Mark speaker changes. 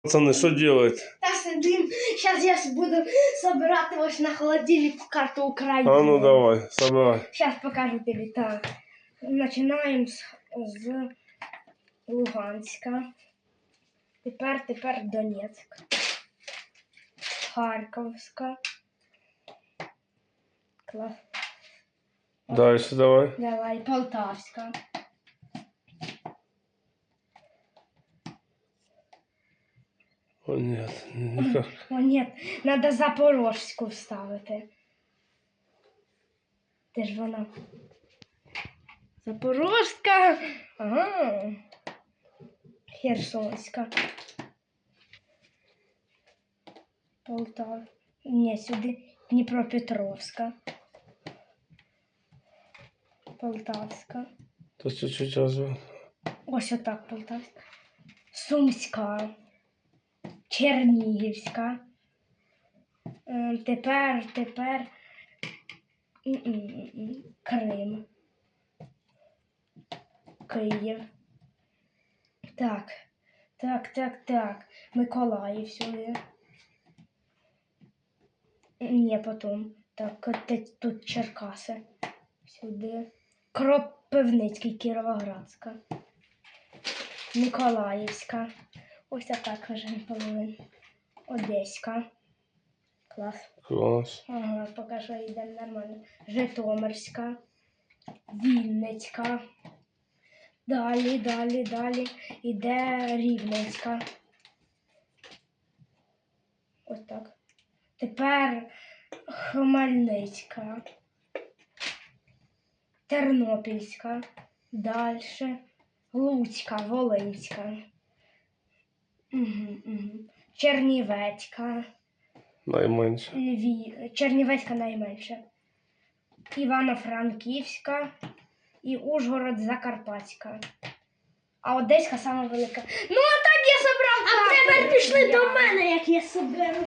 Speaker 1: Пацаны, що делать?
Speaker 2: Та сидим. Зараз я буду собирати ось на холодильник карту України.
Speaker 1: А ну давай, собирай.
Speaker 2: Сейчас покажу тебе. Так. Начинаем з Луганська. Тепер Донецьк. Харківська. Клас.
Speaker 1: Дальше давай.
Speaker 2: Давай, Полтавська.
Speaker 1: О, нет, никак.
Speaker 2: О, нет, надо Запорожську вставити. Де ж вона? Запорожська. Ага. Херсонська. Полтава. Ні, сюди Дніпропетровська. Полтавська.
Speaker 1: То чуть-чуть разве.
Speaker 2: Ось отак Полтавська. Сумська. Чернігівська. Тепер Крим. Київ. Так. Миколаїв сюди. Ні, потім. Так, тут Черкаси. Сюди. Кропивницький, Кіровоградська. Миколаївська. Ось так вже половина. Одеська. Клас.
Speaker 1: Класс.
Speaker 2: Ага, поки що йде нормально. Житомирська. Вінницька. Далі. Іде Рівненська. Ось так. Тепер Хмельницька. Тернопільська. Далі. Луцька, Волинська. Чернівецька.
Speaker 1: Найменше.
Speaker 2: Чернівецька найменша. Івано-Франківська і Ужгород Закарпатська. А Одеська сама велика. Ну, а так я собрав. А тепер пішли до мене, як я соберу.